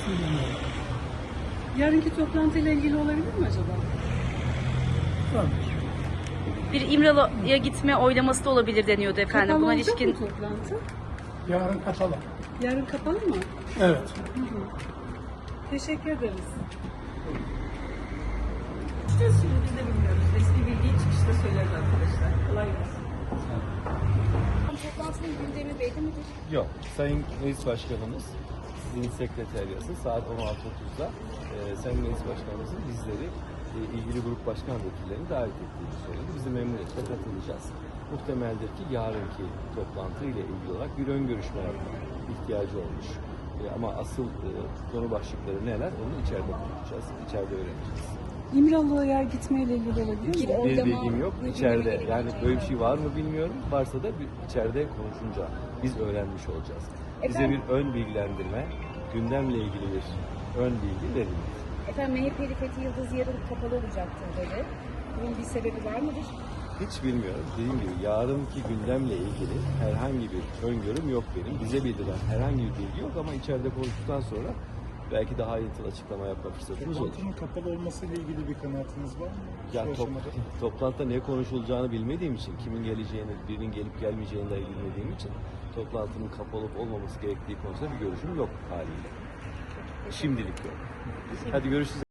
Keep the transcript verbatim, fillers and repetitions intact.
söylemiyorum. Yarınki toplantıyla ilgili olabilir mi acaba? Tamam. Bir İmralı'ya gitme oylaması da olabilir deniyordu efendim. Kapalı Buna olacak ilişkin mı toplantı? Yarın kapalı. Yarın kapalı mı? Evet. Hı hı. Teşekkür ederiz. İşte şimdi biz de bilmiyoruz. Resmi bilgiyi çıkışta söyleriz arkadaşlar. Kolay gelsin. Toplantının gündemi belli midir? Yok. Sayın Meclis Başkanımız, sizin sekreteriyası saat on altı otuzda e, Sayın Meclis Başkanımızın bizleri e, ilgili grup başkan vekillerini davet ettiğini söyledi. Biz de memnuniyetle katılacağız. Muhtemeldir ki yarınki toplantı ile ilgili olarak bir ön görüşme yapmaya ihtiyacı olmuş. E, ama asıl e, konu başlıkları neler onu içeride konuşacağız, içeride öğreneceğiz. İmralı'ya gitmeyle ilgili olabilir mi? Bir Bir oylama bilgim yok. gündeme İçeride gelebilecek yani mi? böyle bir şey var mı bilmiyorum. Varsa da bir içeride konuşunca biz öğrenmiş olacağız. Bize Efendim? bir ön bilgilendirme, gündemle ilgili bir ön bilgi verildi. Efendim M H P'li Fethi Yıldız yarın kapalı olacaktır dedi. Bunun bir sebebi var mıdır? Hiç bilmiyorum. Dediğim gibi yarınki gündemle ilgili herhangi bir öngörüm yok benim. Bize bildirilen herhangi bir bilgi yok ama içeride konuştuktan sonra belki daha ayrıntılı açıklama yapma fırsatımız olur. Toplantının kapalı olmasıyla ilgili bir kanaatiniz var mı? Ya Şu top, aşamada. toplantıda ne konuşulacağını bilmediğim için, kimin geleceğini, birinin gelip gelmeyeceğini dahi bilmediğim için toplantının kapalı olup olmaması gerektiği konusunda bir görüşüm yok haliyle. Şimdilik yok. Hadi görüşürüz.